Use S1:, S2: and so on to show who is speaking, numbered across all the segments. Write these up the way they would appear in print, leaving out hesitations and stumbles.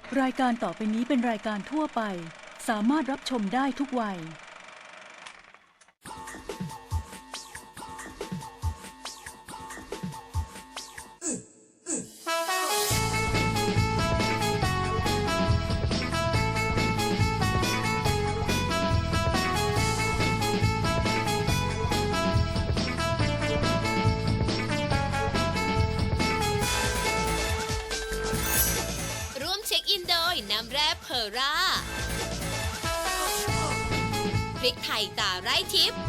S1: รายการต่อไปนี้เป็นรายการทั่วไปสามารถรับชมได้ทุกวัย
S2: ร่วมเช็คอินโดยน้ำแร่เพอร่าพริกไทยตาไร้ทิพย์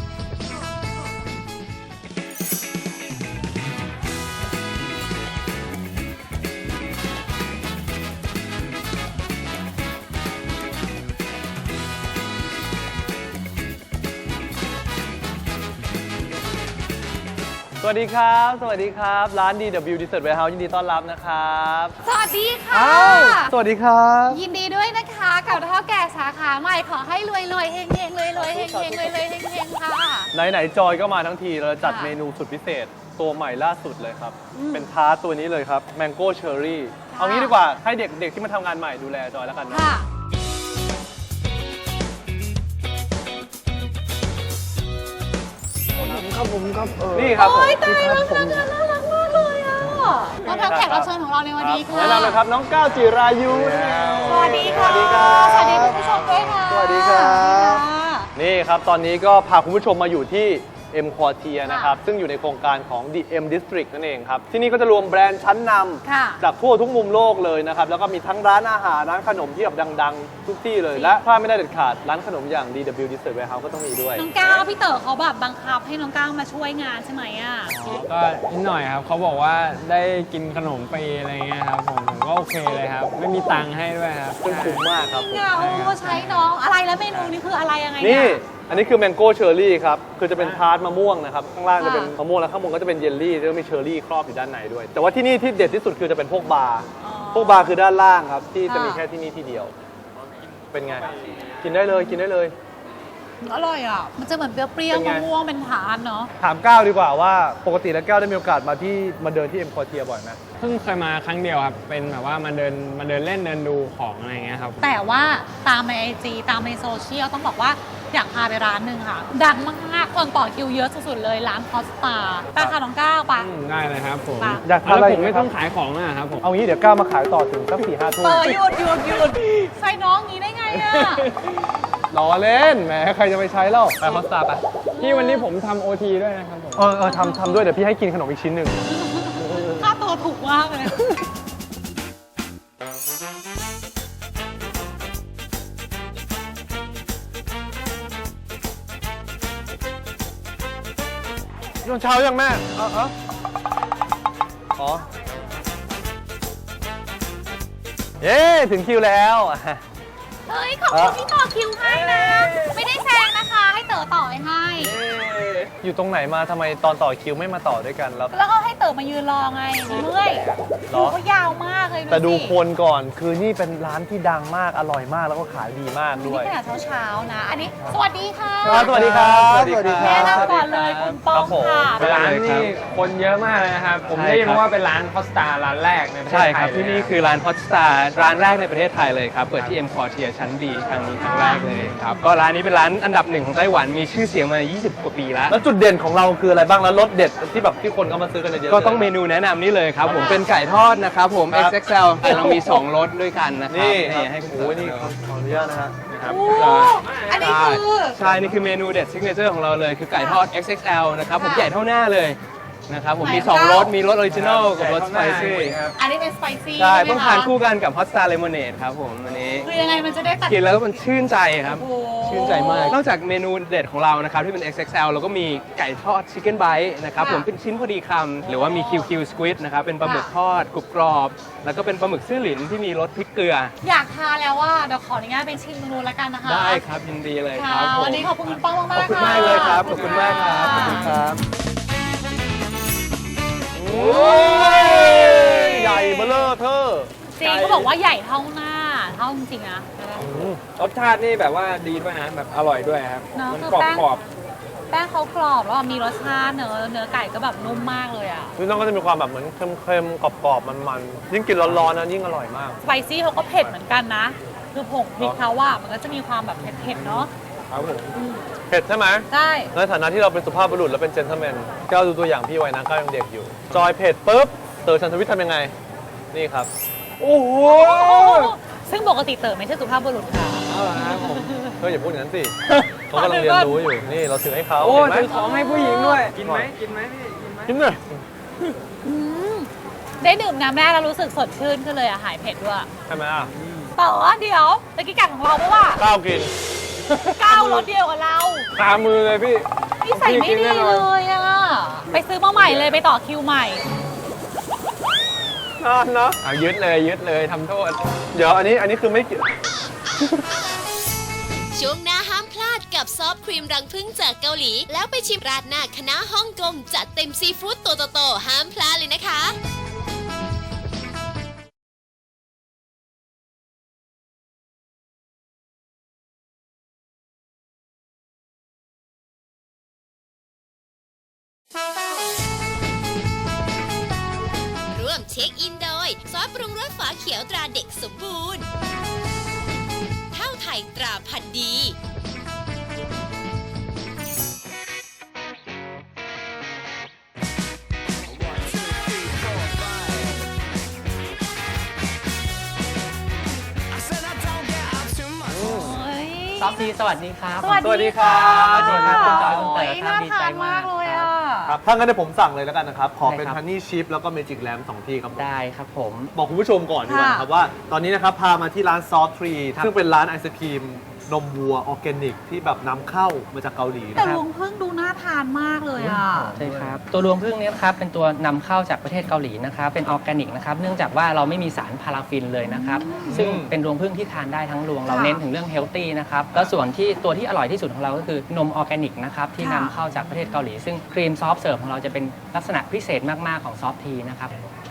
S3: สวัสดีครับ สวัสดีครับ ร้าน DW Dessert Warehouse ยินดีต้อนรับนะครับ
S4: สวัสดีค่ะ
S3: สวัสดีครับ
S4: ยินดีด้วยนะคะกับเท่าแก่สาขาใหม่ขอให้รวยรวยเฮงเฮงรวยรวยเฮงเฮงรวยรวยเฮงเฮงค่ะ
S3: ไหนๆจอยก็มาทั้งทีเราจัด
S4: ค่ะ
S3: เมนูสุดพิเศษตัวใหม่ล่าสุดเลยครับ เป็นทาร์ตตัวนี้เลยครับ Mango Cherry เอางี้ดีกว่าให้เด็กๆที่มาทำงานใหม่ดูแลจอยแล้วกันนะ
S4: ค่ะ
S3: นี่ครับผม
S4: โอ้ยตายแล้วค่ะน่ารักมากเลยอ่ะต้อนรับแขกรับเชิญของเราในวันนี้ค่ะ
S3: แนะนำเลยครับน้องก้าวจิรายุ
S4: สวัสดีค่ะ
S3: สวัสดีครับ
S4: สวัสดีคุณผู้ชมด้วยค่ะ
S3: สวัสดีครับ
S4: สวัสดีค่ะ
S3: นี่ครับ ตอนนี้ก็พาคุณผู้ชมมาอยู่ที่ M Quartier นะครับ ซึ่งอยู่ในโครงการของ The M District นั่นเองครับ ที่นี่ก็จะรวมแบรนด์ชั้นน
S4: ค่ะ
S3: ำจากทั่วทุกมุมโลกเลยนะครับ แล้วก็มีทั้งร้านอาหาร ร้านขนมที่แบบดังๆ ทุกที่เลย และพลาดไม่ได้เด็ดขาด ร้านขนมอย่าง DW Dessert Warehouse ก็ต้องมีด้วย
S4: น้องก้าวพี่เต๋อเขาแบบบังคับให้น้องก้าวมาช่วยงานใช่ไหมอ่ะ
S5: ก็นิดหน่อยครับเขาบอกว่าได้กินขนมฟรีอะไรเงี้ยครับผมก็โอเคเลยครับ ไม่มีตังค์ให้ด้วยครับ
S3: ซึ่งคุ้มมากครับผม
S4: เนี่ยโอ้ใช้น้องอะไรแล้วเมนูนี้คืออะไรยังไง
S3: นี่
S4: เย
S3: อันนี้คือ Mango Cherry ครับ คือจะเป็นทาร์ตมะม่วงนะครับ ข้างล่างจะเป็น
S4: ค่ะ
S3: มะม่วงแล้วข้างบนก็จะเป็นเยลลี่แล้วก็มีเชอร์รี่ครอบอยู่ด้านในด้วย แต่ว่าที่นี่ที่เด็ดที่สุดคือจะเป็นพวกบาร์
S4: อ๋อ
S3: พวกบาร์คือด้านล่างครับ ที่จะมี
S4: ค่ะ
S3: แค่ที่นี่ที่เดียว เป็นไง กินได้เลยกินได้เลย
S4: อร่อยอ่ะ มันจะเหมือนเปรี้ยว
S3: เป็น
S4: ๆ
S3: ไง
S4: มะม่วงเป็นทานเนาะ
S3: ถามก้าวดีกว่าว่าปกติแล้วก้าวได้มีโอกาสมาเดินที่เอ็มคอเทียบ่อยไหม
S5: เพิ่งเคยมาครั้งเดียวครับ เป็นแบบว่ามาเดินเล่นเดินดูของอะไรเงี้ยครับ
S4: แต่ว่าตามในไอจีตามในโซเชียลต้องบอกว่าอยากพาไปร้านหนึ่งค่ะ ดังมากๆคนต่อคิวเยอะสุดๆเลยร้านพอสตาไปค่ะน้องก้าวไป
S5: ได้เลยครับผม
S4: ค่ะ
S3: อยากทานอะไร
S5: แล้วผม
S3: อีกไหม
S5: ไม่
S3: ครับ
S5: ต้องขายของนะครับผม
S3: เอางี้เดี๋ยวก้าวมาขายต่อถึงสัก4-5 ทุ่ม
S4: หยุดใส่น้องงี้ได้ไงอ่ะ
S3: ล้อเล่นแหมใครจะไปใช้เล่าไปฮอสตาไป
S5: พี่วันนี้ผมทำโอทีด้วยนะครับผม
S3: ทำด้วยเดี๋ยวพี่ให้กินขนมอีกชิ้นหนึ่ง
S4: ค่าตัวถูกมากเลย
S3: ตอนเช้ายังแม่อ๋อ เย้ถึงคิวแล้ว
S4: เฮ้ยขอบคุณที่ต่อคิวให้นะ ไม่ได้แซงนะคะ ให้เต๋อต่อให้
S3: อยู่ตรงไหนมาทำไมตอนต่อคิวไม่มาต่อด้วยกันแล้ว
S4: แล้วก็ให้เต๋อมายืนรอไงเมื่อย
S3: เหร
S4: คิ
S3: อ
S4: วเขายาวมากเลย
S3: แต่ดู
S4: สิ
S3: คนก่อนคือนี่เป็นร้านที่ดังมากอร่อยมากแล้วก็ขายดีมากด้
S4: นี่
S3: วย
S4: ขนาดเช้าๆนะ อันนี้สวัสดีค่ะ
S3: สวัสดีครับ
S5: สวัสดีครับ
S4: แนะนำก่อนเลยคุณป้องค่ะ
S5: ร้านนี่คนเยอะมากเลยนะครับ ผมได้ยินว่าเป็นร้านพอสตาร้านแรกในประเทศไท
S6: ใช่
S5: ย
S6: ครับ
S5: เลย
S6: ที่นี่คือร้านพอตสตาร์ร้านแรกในประเทศไทยเลยครับ เปิดที่ M Quartier ชั้นดีครั้งนี้ครั้งแรกเลยครับ ก็ร้านนี้เป็นร้านอันดับหนึ่งของไต้หวันมีชื่อเสียงมา 20 กว่าปีแล้ว
S3: แล้วจุดเด่นของเราคืออะไรบ้างแล้วรสเด็ดที่แบบที่คนเขามาซื้อกันเยอะๆ
S6: ก็ต้องเมนูแนะนำนี่เลยครับ ผมเป็นไก่ทอดนะครับผม
S3: ครับ
S6: XXL แต่เรามี 2รสด้วยกันนะครับ
S3: นี่
S6: ให้คุณ
S3: โอ้ยนี่ขออนุญาตนะฮะ
S6: นะครับ
S4: โอ้อันนี้คือ
S6: ใช่นี่คือเมนูเด็ดซิกเนเจอร์ของเราเลยคือไก่ทอด XXL นะครับผม
S4: ค่ะ
S6: ใหญ่เท่าหน้าเลยนะครับผมมี
S4: ไหน
S6: 2รส
S4: คะ
S6: มีรสออริจินอลกับรสสไปซี่
S4: อันนี้เป็นสไปซี่
S6: ใช่
S4: ไหม
S6: ต้อง
S4: คะ
S6: ทานคู่กันกับฮอตสตาร์เลมอนเนดครับผมอันนี้
S4: คือยังไงมันจะได้ตัด
S6: กินแล้วมันชื่นใจครับ
S4: โอ้โห
S6: ชื่นใจมาก นอกจากเมนูเด็ดของเรานะครับที่เป็น XXL เราก็มีไก่ทอดชิคเก้นไบต์นะครับ
S4: ค่ะ
S6: ผมเป็นชิ้นพอดีคำหรือว่ามี QQ Squid นะครับเป็นปลาหมึก
S4: ค่ะ
S6: ทอดกรุบกรอบ แล้วก็เป็นปลาหมึกซื่อหลินที่มีรสพริกเกลือ
S4: อยากทานแล้วว่าเดี๋ยวขออนุญาตเป็นชิมเมนูแล้วกันนะคะ
S6: ได้ครับยินดีเลย
S4: ค่ะ
S6: ครับผม
S4: วันนี้ขอบคุณคุณป้องมากๆ
S6: ขอบคุณมากเลยครับขอบคุณมากครับขอบคุณครับ
S3: โอ้ยใหญ่เบ้อเร่อเธอ
S4: จริงเขาบอกว่าใหญ่เท่าหน้าเท่าจริงๆนะ
S5: รสชาตินี่แบบว่าดีด้วยนะแบบอร่อยด้วยครับ
S4: เนอะ
S5: มัน
S4: คือก
S5: รอบ
S4: แป้ง
S5: กรอบ
S4: แป้งเขากรอบแล้วมีรสชาติเนื้อไก่ก็แบบนุ่มมากเลยอ่ะ
S3: พี่น้องก็จะมีความแบบเหมือนเค็มๆกรอบๆมันๆยิ่งกินร้อนๆนะยิ่งอร่อยมาก
S4: สไปซี่เขาก็เผ็ดเหมือนกันนะ คือผงพริกเขาว่ามันก็จะมีความแบบเผ็ดๆเนาะ
S3: ครับผมเผ็ดใช่ไหม
S4: ใช่
S3: ในฐานะที่เราเป็นสุภาพบุรุษและเป็นเจนเทลแมนก้าวดูตัวอย่างพี่ไว้นะก้าวยังเด็กอยู่ จอยเผ็ดปุ๊บเต๋อชันทวิทย์ทำยังไง นี่ครับ โอ้โห
S4: ซึ่งปกติเต๋อไม่ใช่สุภาพบุรุษค่ะ
S3: เอาละครับผมเฮ้ยอย่าพูดอย่างนั้นสิเขากำลังเรียนรู้อยู่นี่เราถือให้เขา
S5: โอ้
S3: เห็นไหม
S5: ถือของให้ผู้หญิงด้วย กินไหมกินไหมพี่ กินไหม
S3: กินเลย
S4: ได้ดื่มน้ำแร่แล้วรู้สึกสดชื่นขึ้นเลยอะหายเผ็ดด้วย
S3: ใช่ไหมอ่ะ
S4: เต๋อเดี๋ยวตะกี้กัดของเราปะวะ
S3: ก้าวกิน
S4: ก้าวรสเดียวกับเรา
S3: ตามมือเลยพี่
S4: นี่ใส่ไม่ดีเลยอะไปซื้อมาใหม่เลยไปต่อคิวใหม่
S3: นานนะ
S5: เอายึดเลยทำโทษ
S3: เดี๋ยวอันนี้คือไม่เกี่ยว
S2: ช่วงหน้าห้ามพลาดกับซอฟต์ครีมรังผึ้งจากเกาหลี แล้วไปชิมราดหน้าคณะฮ่องกงจัดเต็มซีฟู้ดตัวโตๆห้ามพลาดเลยนะคะ ร่วมเช็คอินโดยซอสปรุงรสฝาเขียวตราเด็กสมบูรณ์ข้าวไทยตราพันธุ์ดี
S7: ซอฟทีสวัสดีครับ
S4: สวัส
S3: สวัสดี
S4: ดี
S3: ครั
S4: ค่ะ
S3: บ
S7: สวัสดีครับคุณจอยคุณเต๋อครับ
S4: น่า
S7: ดีใจ
S4: ทาน
S7: มาม
S4: าก กเลยอ่ะ
S3: ครับถ้างั้นเดี๋ยวผมสั่งเลยแล้วกันนะครับ ขอเป็น
S7: ได้ครับ
S3: ฮันนี่ชิพแล้วก็เมจิกแลมสองที่ครับผม
S7: ได้ครับผม
S3: บอกคุณผู้ชมก่อนดีกว่านะครับว่าตอนนี้นะครับพามาที่ร้านซอฟทรีซึ่งเป็นร้านไอศครีมนมวัวออร์แกนิกที่แบบนำเข้ามาจากเกาหลี
S4: แต่
S3: นะค
S4: ร
S3: รับ
S4: วงพึ่งดูน่าทานมากเลยอ่ะ
S7: ใช่ครับ ตัวรวงพึ่งนี้นะครับเป็นตัวนำเข้าจากประเทศเกาหลีนะครับเป็นออร์แกนิกนะครับเนื่องจากว่าเราไม่มีสารพาราฟินเลยนะครับซึ่งเป็นรวงพึ่งที่ทานได้ทั้งรวงเราเน้นถึงเรื่องเฮลตี้นะครับแล้วส่วนที่ตัวที่อร่อยที่สุดของเราก็คือนมออร์แกนิกนะครับที่นำเข้าจากประเทศเกาหลีซึ่งครีมซอฟต์เสิร์ฟของเราจะเป็นลักษณะพิเศษมากๆของซอฟทีนะครับ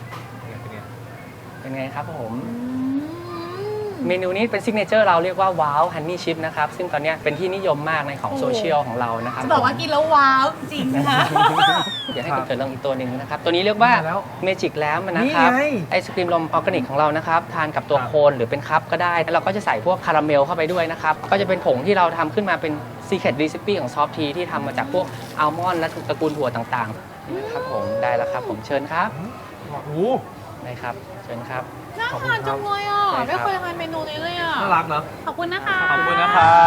S7: เป็นไงครับผม เมนูนี้เป็นซิกเนเจอร์เราเรียกว่าว้าวฮันนี่ชิพนะครับซึ่งตอนนี้เป็นที่นิยมมากในของโซเชียลของเรานะครับ
S4: จะบอกว่ากินแล้วว้าวจริงนะคะ
S7: เดี๋ยวให้คุณเกิดลองอีกตัวหนึ่งนะครับ ตัวนี้เรียกว่าเมจิกแลมนะครับไอศครีมลมออร์แกนิกของเรานะครับทานกับตัวโคนหรือเป็นคัพก็ได้แล้วเราก็จะใส่พวกคาราเมลเข้าไปด้วยนะครับก็จะเป็นผงที่เราทำขึ้นมาเป็น Secret Recipe ของซอฟทีที่ทำมาจากพวกอัลมอนด์และตระกูลถั่วต่างๆนี่นะครับผมได้แล้วครับผมเชิญครับ
S3: โอ้โห
S7: ได้ครับเชิญครับ
S4: น่าทานจังเลยอ่ะ
S7: ใช่ครับ
S4: ไม่เคยทานเมนูนี้เลยอ่ะ
S3: น่ารักเนอะ
S4: ขอบคุณนะคะ
S3: ขอบคุณนะครับ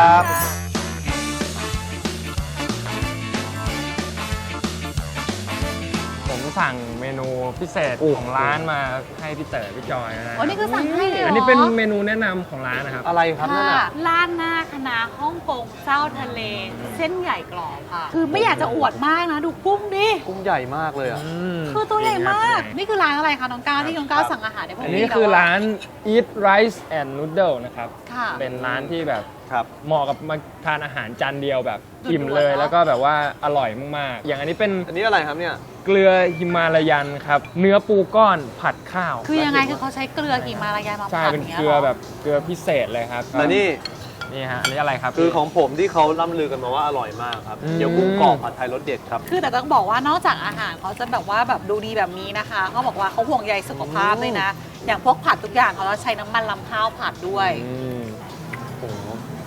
S5: ผมสั่งเมนูพิเศษของร้านมาให้พี่เต๋อพี่จอยนะฮะ
S4: อ๋อนี่คือสั่งให้เลยเหรอ
S5: อั
S4: อั
S5: นนี้เป็นเมนูแนะนำของร้านนะครับ
S3: อะไรครับนั่น
S4: ค่ะ
S3: น่ะ
S4: ร้านหน้าคณะฮ่องกงเจ้าทะเล เส้นใหญ่กรอบค่ะ คือไม่อยากจะอวดมากนะ ดูกุ้งดิ
S3: กุ้งใหญ่มากเลยอ่ะ
S4: คือตัวใหญ่มาก
S5: จริงครับ
S4: นี่คือร้านอะไรคะน้องก้าวที่น้องก้าวสั่งอาหารในพวก
S5: อัน
S4: นี้
S5: นี้คือร้าน Eat Rice and Noodle นะครับ
S4: ค่ะ
S5: เป็นร้านที่แบบ
S3: ครับ
S5: เหมาะกับมาทานอาหารจานเดียวแบบ
S4: ด่วนๆ
S5: อิ่มเลย
S4: เนอะ
S5: แล้วก็แบบว่าอร่อยมากๆ อย่างอันนี้เป็น
S3: อันนี้อะไรครับเนี่ย
S5: เกลือฮิมาลายันครับ เนื้อปูก้อนผัดข้าว
S4: คือยังไงคือเขาใช้เกลือหิมาลายามา
S5: ใช่
S4: ผัด
S5: เป็น
S4: ย่างงี้ย
S5: เกลือ
S4: หร
S5: แบบเกลือพิเศษเลยครับ
S3: แต่นี่
S5: นี่ฮะ อันนี้อะไรครับ
S3: คือของผมที่เขาล่ำลือกันมาว่าอร่อยมากครับ
S5: อืม
S3: เดี๋ยวกุ้งกรอบผัดไทยรสเด็ดครับ
S4: คือแต่ต้องบอกว่านอกจากอาหารเขาจะแบบว่าแบบดูดีแบบนี้นะคะเขาบอกว่าเขาห่วงใยสุขภาพด้วยนะ อย่างพวกผัดทุกอย่างเขาจะใช้น้ำมันลำข้าวผัดด้วย
S5: อืม
S3: โอ้โห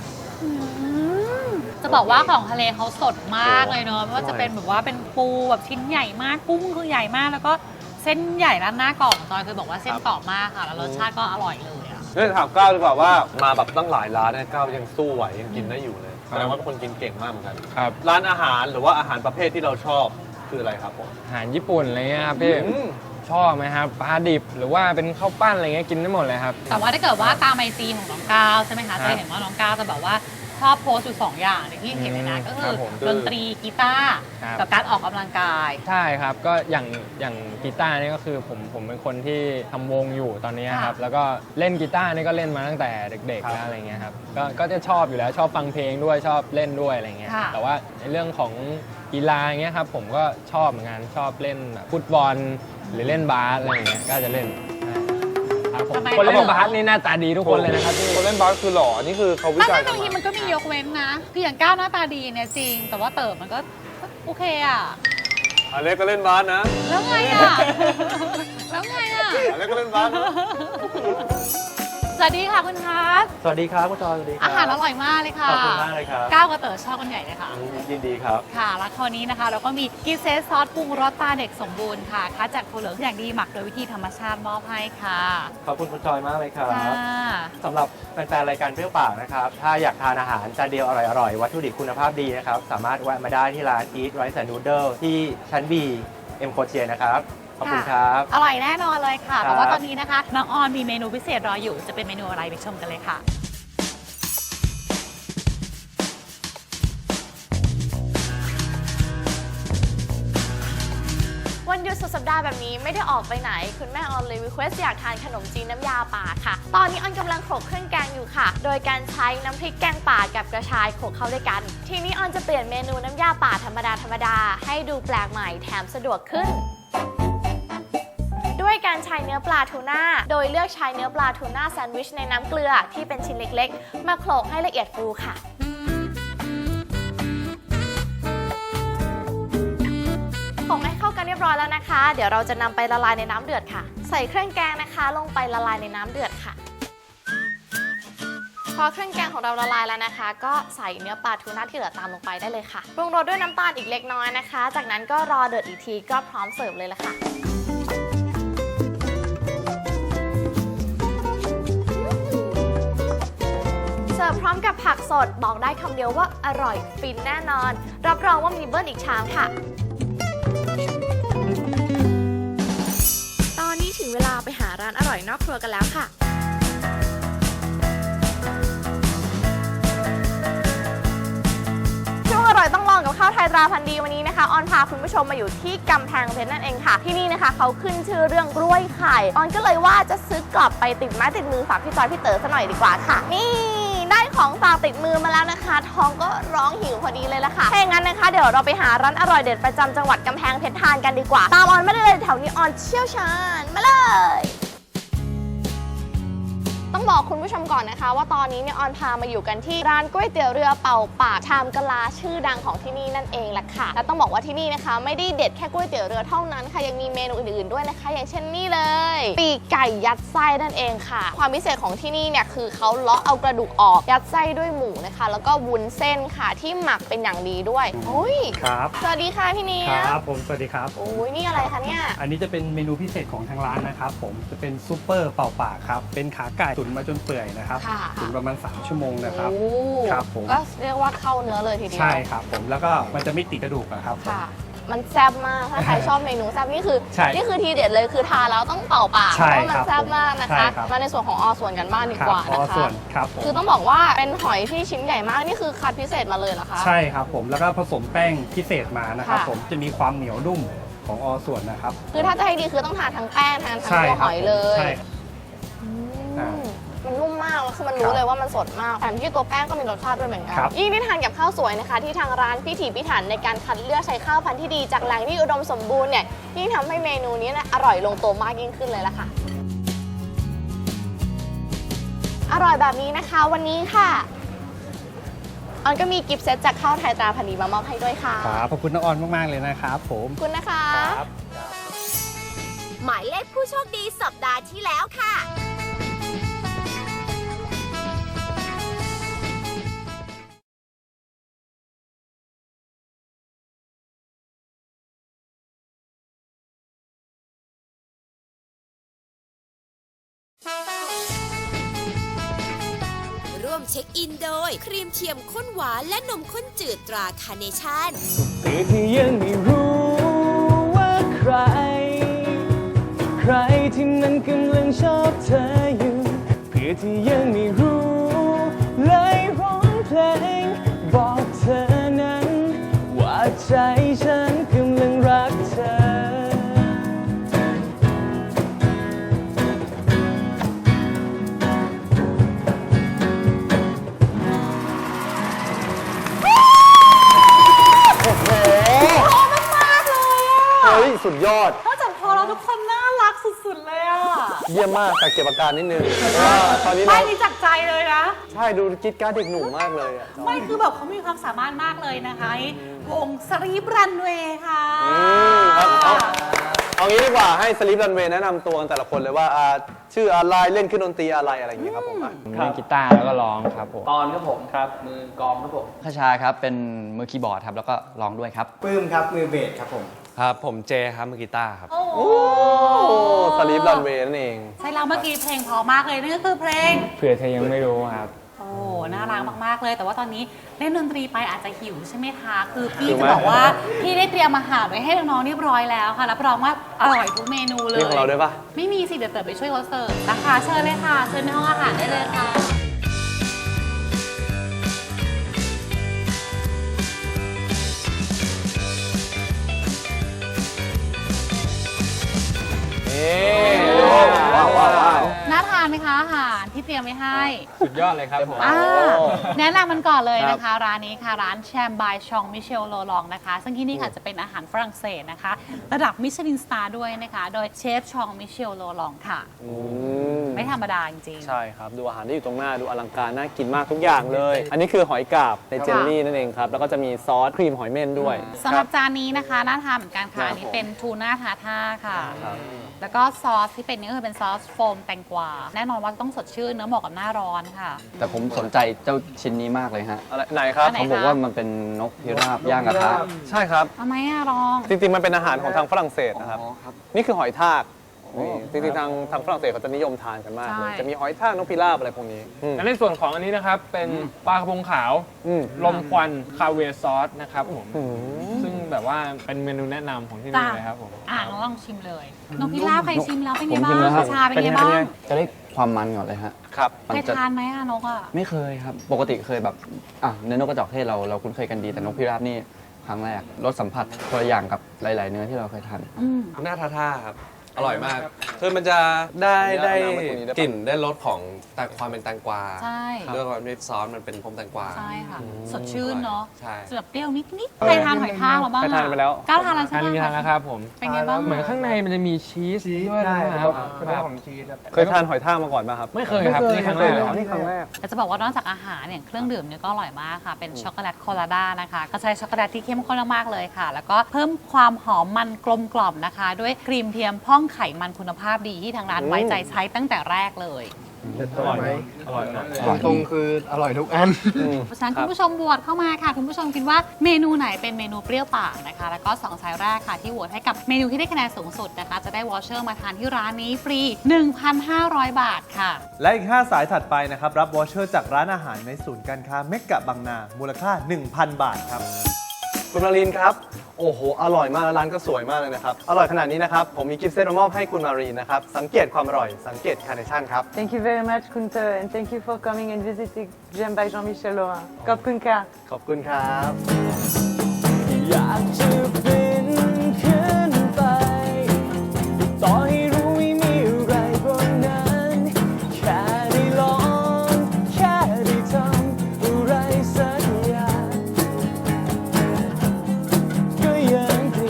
S4: จะบอกว่าของทะเลเขาสดมากเลยเนอะไม่ว่า
S3: อร่อย
S4: จะเป็นแบบว่าเป็นปูแบบชิ้นใหญ่มากกุ้งคือใหญ่มากแล้วก็เส้นใหญ่ร้านหน้ากรอบจอยเคยบอกว่าเส้นกรอบมากค่ะ แล้วรสชาติก็อร่อยเลยอะ
S3: เนี่ยถามก้าวดีกว่าว่ามาแบบตั้งหลายร้านเนี่ยก้าวยังสู้ไหวยังกินได้อยู่เลยแสดงว่าเป็นคนกินเก่งมากเหมือนกัน
S5: ครับ
S3: ร้านอาหารหรือว่าอาหารประเภทที่เราชอบคืออะไรครับผม
S5: อาหารญี่ปุ่นอะไรเงี้ยครับพี่
S3: อืม
S5: ชอบไหมครับปลาดิบหรือว่าเป็นข้าวปั้นอะไรเงี้ยกินได้หมดเลยครับ
S4: แต่ว่าถ้าเกิดว่าตามไอจีของน้องก้าวใช่ไหมคะ
S5: ครับ
S4: จะเห็นว่าน้องก้าวจะแบบว่าชอบโพสต์อยู่2อย่างในที่เห็นเลยนะก็คื
S5: ครั
S4: อบ
S5: ผม
S4: ดนตรีกีตาร์
S5: ครับ
S4: กับการออกกำลังกาย
S5: ใช่ครับก็อย่างกีตาร์นี่ก็คือผมเป็นคนที่ทำวงอยู่ตอนนี้ครับ
S4: ค่ะ
S5: แล้วก็เล่นกีตาร์นี่ก็เล่นมาตั้งแต่เด็กๆแล้วอะไรเงี้ยครับก็จะชอบอยู่แล้วชอบฟังเพลงด้วยชอบเล่นด้วยอะไรเงี้ย
S4: ค่ะ
S5: แต่ว่าในเรื่องของกีฬาเงี้ยครับผมก็ชอบเหมือนกันชอบเล่นแบบฟุตบอลหรือเล่นบาสอะไรเงี้ยก็จะเล่นใช่ครับครับผม
S4: ทำไม
S5: คนเล่น
S4: เหรอ
S5: บาสนี่หน้าตาดีทุกคนเลยนะครับพี่
S3: คนเล่นบาสคือหล่อ นี่คือเขาวิ
S4: ไม่
S3: จัย
S4: บางทีมันก็มียกเว้นนะ คืออย่างก้าวหน้าตาดีเนี่ยจริง แต่ว่าเติบมันก็โอเคอ่ะ
S3: อเล็กก็เล่นบาสนะ
S4: แล้วไงอ่ะ แล้วไงอ่ะ
S3: อเล็กก็เล่นบาสนะ
S4: สวัสดีค่ะคุณคัส
S8: สวัสดีครับคุณจอยสวัสดีครั
S4: อาหารอร่อยมากเลยค่ะ
S8: ขอบคุณมากเลยครับ
S4: ก้าวกับเต๋อชอบกันใหญ่เลยค่ะ
S8: ยินดีครับ
S4: ค่ะแล้วคราวนี้นะคะ เราก็มีกิฟต์เซตซอสปรุงรสตาเด็กสมบูรณ์ค่ะคัดจากถั่วเหลืองอย่างดีหมักโดยวิธีธรรมชาติมอบให้ค่ะ
S8: ขอบคุณคุณจอยมากเลยครับ
S4: ค่ะ
S8: สำหรับแฟนๆรายการเปรี้ยวปากนะครับ ถ้าอยากทานอาหารจานเดียวอร่อยๆ วัตถุดิบคุณภาพดีนะครับ สามารถแวะมาได้ที่ร้าน Eat Rice and Noodle ที่ชั้น B M Quartier นะครับ ขอบคุณครับ
S4: อร่อยแน่นอนเลยค่ะ
S8: ครับ
S4: แต่ว่าตอนนี้นะคะ น้องออนมีเมนูพิเศษรออยู่ จะเป็นเมนูอะไรไปชมกันเลยค่ะ
S9: วันหยุดสุดสัปดาห์แบบนี้ไม่ได้ออกไปไหน คุณแม่ออนเลยรีเควสอยากทานขนมจีนน้ำยาป่าค่ะ ตอนนี้ออนกำลังโขลกเครื่องแกงอยู่ค่ะ โดยการใช้น้ำพริกแกงป่ากับกระชายโขลกเข้าด้วยกัน ทีนี้ออนจะเปลี่ยนเมนูน้ำยาป่าธรรมดาให้ดูแปลกใหม่แถมสะดวกขึ้น ด้วยการใช้เนื้อปลาทูน่า โดยเลือกใช้เนื้อปลาทูน่าแซนด์วิชในน้ำเกลือที่เป็นชิ้นเล็กๆ มาโขลกให้ละเอียดฟูค่ะ ผงให้เข้ากันเรียบร้อยแล้วนะคะ เดี๋ยวเราจะนำไปละลายในน้ำเดือดค่ะ ใส่เครื่องแกงนะคะลงไปละลายในน้ำเดือดค่ะ พอเครื่องแกงของเราละลายแล้วนะคะ ก็ใส่เนื้อปลาทูน่าที่เหลือตามลงไปได้เลยค่ะปรุงรสด้วยน้ำตาลอีกเล็กน้อยนะคะ จากนั้นก็รอเดือดอีกทีก็พร้อมเสิร์ฟเลยละค่ะ เสิร์ฟพร้อมกับผักสดบอกได้คำเดียวว่าอร่อยฟินแน่นอน รับรองว่ามีเบิ้ลอีกชามค่ะ ตอนนี้ถึงเวลาไปหาร้านอร่อยนอกครัวกันแล้วค่ะ ช่วงอร่อยต้องลองกับข้าวไทยตราพันธุ์ดีวันนี้นะคะออนพาคุณผู้ชมมาอยู่ที่กำแพงเพชรนั่นเองค่ะ ที่นี่นะคะเขาขึ้นชื่อเรื่องกล้วยไข่ออนก็เลยว่าจะซื้อกลับไปติดไม้ติดมือฝากพี่จอยพี่เต๋อซะหน่อยดีกว่าค่ะ นี่ได้ของฝากติดมือมาแล้วนะคะ ท้องก็ร้องหิวพอดีเลยละค่ะถ้าอย่างนั้นนะคะเดี๋ยวเราไปหาร้านอร่อยเด็ดประจำจังหวัดกำแพงเพชรทานกันดีกว่าตามออนไม่ได้เลยแถวนี้ออนเชี่ยวชาญมาเลย ต้องบอกคุณผู้ชมก่อนนะคะว่าตอนนี้เนี่ยออนพามาอยู่กันที่ร้านก๋วยเตี๋ยวเรือเป่าปากชามกะลาชื่อดังของที่นี่นั่นเองแหละค่ะและต้องบอกว่าที่นี่นะคะไม่ได้เด็ดแค่ก๋วยเตี๋ยวเรือเท่านั้นค่ะยังมีเมนูอื่นๆด้วยนะคะ อย่างเช่นนี่เลยปีกไก่ยัดไส้นั่นเองค่ะความพิเศษของที่นี่เนี่ยคือเขาเลาะเอากระดูกออกยัดไส้ด้วยหมูนะคะแล้วก็วุ้นเส้นค่ะที่หมักเป็นอย่างดีด้วยโอ้ย
S10: ครับ
S9: สวัสดีค่ะพี่เนีย
S10: ครับผมสวัสดีครับ
S9: โอ้ยนี่อะไรคะเนี่ย
S10: อันนี้จะเป็นเมนูพิเศษของทางร้านนะครับผมจะเป็นซุปเปอร์เป่าปากครับเป็นขาไก่ตุ๋นมาจนเปื่อยนะครับ
S9: ค่ะ
S10: ตุ๋นประมาณ3ชั่วโมงนะครับ
S9: โอ้
S10: ครับผม
S9: ก็เรียกว่าเข้าเนื้อเลยทีเดียว
S10: ใช่ครับผมแล้วก็มันจะไม่ติดกระดูกนะครับผม
S9: ค่ะ มันแซ่บมาก ถ้าใครชอบเมนูแซ่บนี่คือ
S10: ใช่
S9: นี่คือทีเด็ดเลยคือทานแล้วต้องเป่าปาก
S10: ใช่
S9: เพราะว่ามัน
S10: ครับ
S9: แซ่บมากนะ
S10: ใช่
S9: คะ
S10: ครับ
S9: มาในส่วนของส่วนกันบ้างดี
S10: ครั
S9: กว่า
S10: อ๋อ
S9: นะคะ
S10: ส่วนครับผม
S9: คือต้องบอกว่าเป็นหอยที่ชิ้นใหญ่มากนี่คือคัดพิเศษมาเลยเหรอคะ
S10: ใช่ครับผมแล้วก็ผสมแป้งพิเศษมานะครับ
S9: ค่ะ
S10: ผมจะมีความเหนียวนุ่มของส่วนนะครับ
S9: คือถ้าจะให้ดีคือต้องทานทั้งแป้งทานทั้ง
S10: ใช่
S9: ตัว
S10: ค
S9: ห
S10: รับ
S9: อยเลย
S10: ใช่
S9: อืม
S10: อ่า
S9: มันนุ่มมากแล้วคือมัน
S10: ค
S9: รู้
S10: รับ
S9: เลยว่ามันสดมากแถมที่ตัวแป้งก็มีรสชาติด้วยเหมือนกัน
S10: ครับ
S9: ยิ่งได้ทานกับข้าวสวยนะคะ ที่ทางร้านพิถีพิถันในการคัดเลือกใช้ข้าวพันธุ์ที่ดีจากแหล่งที่อุดมสมบูรณ์เนี่ยยิ่งทำให้เมนูนี้อร่อยลงตัวมากยิ่งขึ้นเลยละค่ะ อร่อยแบบนี้นะคะวันนี้ค่ะออนก็มีกิฟต์เซตจากข้าวไทยตราพันธุ์ดีมามอบให้ด้วยค่ะ
S10: ครับขอบคุณน้องออนมากๆเลยนะครับผม
S9: ขอบคุณนะคะ
S10: ครับ
S2: หมายเลขผู้โชคดีสัปดาห์ที่แล้วค่ะ ร่วมเช็คอินโดย ครีมเทียมข้นหวานและนมข้นจืดตราคาเนชั่น
S5: เพื่อที่ยังไม่รู้ว่าใคร ใครที่มันกำลังชอบเธออยู่ เพื่อที่ยังไม่รู้เลยร้องเพลง บอกเธอนั้น ว่าใจฉันกำลังรักเธอ
S3: เฮ้ย สุดยอด
S4: นอกจากพอเราทุกคนน่ารักสุดๆเลยอ่ะ
S3: เยี่ยมมากแต่เก็บอาการนิดนึงเพราะว่าตอนนี้
S4: ไม่
S3: เรา
S4: นี่จากใจเลยนะ
S3: ใช่ดูกิ๊ดการ์ดเด็กหนุ่มมากเลยอะ
S4: ไม่คือแบบเขามีความสามารถมากเลยนะคะวงสลีปรันเวย์ค่ะ
S3: ครับเอางี้ดีกว่าให้สลิปรันเวย์แนะนำตัวกันแต่ละคนเลยว่าชื่ออะไรเล่นเครื่องดนตรีอะไรอย่างนี้ครับผม
S7: เล่นกีตาร์แล้วก็ร้องครับผมตอนครับผมครับมือกลองครับผมขชาครับเป็นมือคีย์บอร์ดครับแล้วก็ร้องด้วยครับ
S5: ปื้มครับ มือเบสครับผม
S3: ครับผมเจครับมือกีตาร์ครับ
S4: โอ้โห
S3: สลิปรันเวย์นั่นเอง
S4: ใช่แล้วเมื่อกี้เพลงเพอมากเลยนั่นก็คือเพลง
S6: เผื่อเธอยังไม่รู้ครับ
S4: โอ้ น่ารักมากๆเลย แต่ว่าตอนนี้เล่นดนตรีไปอาจจะหิวใช่ไหมคะ คือพี่
S3: หิวไหม
S4: จะบอกว่าพี่ได้เตรียมอาหารไว้ให้น้องๆเรียบร้อยแล้วค่ะ รับรองว่าอร่อยทุกเมนูเลย
S3: มีของเราด้วยปะ
S4: ไม่มีสิ เดี๋ยวเต๋อไปช่วยเขาเสิร์ฟนะคะเชิญเลยค่ะ เชิญในห้องอาหารได้เลยค่ะ
S3: ว้าว
S4: น่าทานไหมคะอาหารที่เตรียมไว้ให้
S6: สุดยอดเลยครับผม
S4: แนะนำมันก่อนเลยนะคะ ร้านนี้ค่ะร้านแชมบายชองมิเชลโลลองนะคะ ซึ่งที่นี่ค่ะจะเป็นอาหารฝรั่งเศสนะคะ ระดับมิชลินสตาร์ด้วยนะคะ โดยเชฟชองมิเชลโลลองค่ะ ไม่ธรรมดาจริงๆ
S3: ใช่ครับดูอาหารที่อยู่ตรงหน้าดูอลังการน่ากินมากทุกอย่างเลย อันนี้คือหอยกาบในเจลลี่นั่นเองครับแล้วก็จะมีซอสครีมหอยเม่นด้วย
S4: สำหรับจานนี้นะคะน่าทานเหมือนกันค่ะอันนี้เป็นทูน่าทาท่าค่ะ แล้วก็ซอสที่เป็นนี่ก็คือเป็นซอสโฟมแตงกวาแน่นอนว่าต้องสดชื่นเนื้อเหมาะกับหน้าร้อนค่ะ
S7: แต่ผมสนใจเจ้าชิ้นนี้มากเลยฮะ
S3: อะไรไหนครับ
S4: อันไหน
S7: เขาบอกว่ามันเป็นนกพิราบย่างกระทะ
S3: ใช่ครับ
S4: ทำไมอะลอง
S3: จริงๆมันเป็นอาหารของทางฝรั่งเศสนะครับ
S7: อ๋อครับ
S3: นี่คือหอยทากนี่จริงๆทางฝรั่งเศสเขาจะนิยมทานกันมากเลย
S4: ใช่
S3: จะมีหอยทากนกพิราบอะไรพวกนี้อืม
S6: และในส่วนของอันนี้นะครับ เป็นปลากระพงขาว
S3: อืม
S6: ลมควันคาเวียร์ซอสนะครับผม
S3: อืม
S6: ซึ่งแบบว่าเป็นเมนูแนะนำของที่นี่เลยครับผม
S4: น้องลองชิมเลยนกพิราบใครชิมแล้วเป็น
S7: ผ
S4: ไง
S7: ม
S4: บ้า
S7: ชิม
S4: ง
S7: แล้วครับ
S4: ชาเป็นไงบ้าง
S7: จะได้ความมันก่อนเลยฮะ
S3: ครับ
S7: มัน
S4: เคย
S7: จะ
S4: ทานไหมอะนกอะ
S7: ไม่เคยครับ ปกติเคยแบบเนื้อนกกระจอกเทศเราคุ้นเคยกันดีแต่นกพิราบนี่ครั้งแรกรสสัมผัสคนละอย่างกับหลาย ๆ เนื้อที่เราเคยทาน
S4: อืม
S11: หน้าท่าครับ อร่อยมาก คือมันจะได้
S3: เอาน้ำมาตรงนี้ได้ปะ
S11: กลิ่นได้รสของความเป็นแตงกวา
S4: ใช่
S11: ด้วยความที่ซอสมันเป็นพรมแตงกวา
S4: ใช่ค่ะ สดชื่นเนาะ
S11: ใช่
S4: จะแบบเปรี้ยวนิดๆใครทานหอยทากเราบ้าง
S3: ใครทานไปแล้ว
S4: ก้าวทานแล้วใช่
S6: ทาน
S4: ไหม
S6: มีทานแล้วครับผม
S4: เป็นไงบ้าง
S6: เหมือนข้างในมันจะมีชีสด้วยนะครับ
S5: เป็นเรื่องของชีสครับ
S3: เคยทานหอยทากมาก่อนป่ะครับ
S6: ไม่เคยครับนี่ครั้งแรกเลยครับ
S3: นี่ครั้งแรก
S4: แต่จะบอกว่านอกจากอาหารเนี่ยเครื่องดื่มเนี่ยก็อร่อยมากค่ะ เป็นช็อกโกแลตโคลาด้านะคะก็ใช้ช็อกโกแลตที่เข้มข้นมากๆเลยค่ะ แล้วก็เพิ่มความหอมมันกลมกล่อมนะคะ ด้วยครีมเทียมพ่องไขมันคุณภาพดีที่ทางร้านไว้ใจใช้ตั้งแต่แรกเลย
S5: อร่อยไหม
S6: อร่อยมาก
S5: ตรงๆคืออร่อยทุกอัน
S4: เพราะฉะนั้นคุณผู้ชมโหวตเข้ามาค่ะ คุณผู้ชมคิดว่าเมนูไหนเป็นเมนูเปรี้ยวปากนะคะ แล้วก็2สายแรกค่ะที่โหวตให้กับเมนูที่ได้คะแนนสูงสุดนะคะ จะได้วอเชอร์มาทานที่ร้านนี้ฟรี 1,500 บาทค่ะ
S12: และอีก 5 สายถัดไปนะครับ รับวอเชอร์จากร้านอาหารในศูนย์การค้าเมกะบางนา มูลค่า 1,000 บาทครับ
S3: คุณมารินครับ โอ้โห อร่อยมากแล้วร้านก็สวยมากเลยนะครับ อร่อยขนาดนี้นะครับ ผมมีกิฟต์เซตมามอบให้คุณมารีนนะครับ สังเกตความอร่อย สังเกตคาร์เนชั่นครับ
S13: Thank you very much, Kunta, and thank you for coming and visiting Gem by Jean-Michel Laurin. ขอบคุณค่ะ
S3: ขอบคุณครับ
S5: อยากจะบินขึ้นไป ต่อให้รู้ไม่มีอะไรบนนั้น แค่ได้ลอง แค่ได้ทำอะไรสักอย่างก็ยังดี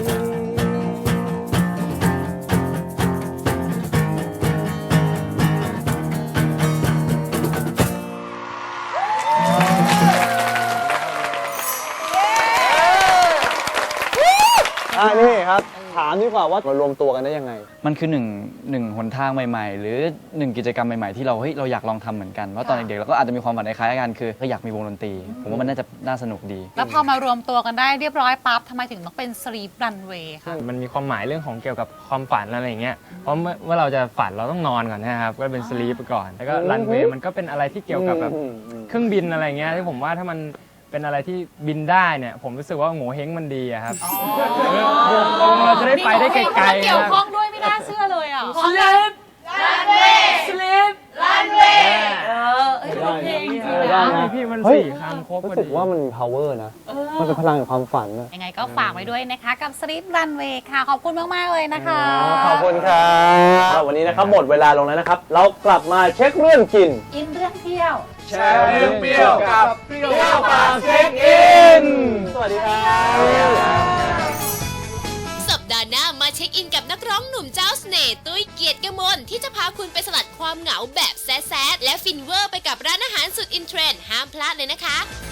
S3: นี่ครับ ถามดีกว่าว่ามารวมตัวกันได้ยังไง
S7: มันคือหนึ่งหนทางใหม่ๆ หรือหนึ่งกิจกรรมใหม่ๆที่เราอยากลองทำเหมือนกันว่าตอนเด็กๆเราก็อาจจะมีความฝันคล้ายๆกันคืออยากมีวงดนตรีผมว่ามันน่าสนุกดี
S4: แล้วพอมารวมตัวกันได้เรียบร้อยปั๊บทำไมถึงต้องเป็นสลีปรันเวย์ค่ะ
S6: มันมีความหมายเรื่องของเกี่ยวกับความฝันอะไรอย่างเงี้ย เพราะเมื่อเราจะฝันเราต้องนอนก่อนนะครับ ก็เป็นสลีปไปก่อน แล้วก็รันเวย์มันก็เป็นอะไรที่เกี่ยวกับแบบเครื่องบินอะไรเงี้ยที่ผมว่าถ้ามันเป็นอะไรที่บินได้เนี่ย ผมรู้สึกว่าโง่เฮงมันดีอะครับเราจะได้ไปได้ไกลๆ
S4: มีเกี่ยวข้องด้วยไม่น่าเชื่อเลยอ่ะสลีปรันเวย์สลีปรันเวย์เพลงจริงๆนะ
S6: พี่มัน
S3: เฮ้ย
S6: 4 คำครบพอ
S3: รู้สึ
S6: ดี
S3: กว่ามันมี power นะ มันเป็นพลังแห่งความฝันนะ
S4: ยังไงก็ฝากไว้ด้วยนะคะกับสลีปรันเวย์ค่ะ ขอบคุณมาก ๆ เลยนะคะ
S3: ขอบคุณครับวันนี้นะครับหมดเวลาลงแล้วนะครับ เรากลับมาเช็คเรื่องกิน
S4: อินเรื่องเที่ยว
S3: แชร์เรื่องเปรี้ยวกับเปรี้ยวปากเช็คอิน สวัสดีครับ
S2: สัปดาห์หน้ามาเช็คอินอินกับนักร้องหนุ่มเจ้าเสน่ห์ตุ้ยเกียรติกมลที่จะพาคุณไปสลัดความเหงาแบบแซดๆและฟินเวอร์ไปกับร้านอาหารสุดอินเทรนด์ห้ามพลาดเลยนะคะ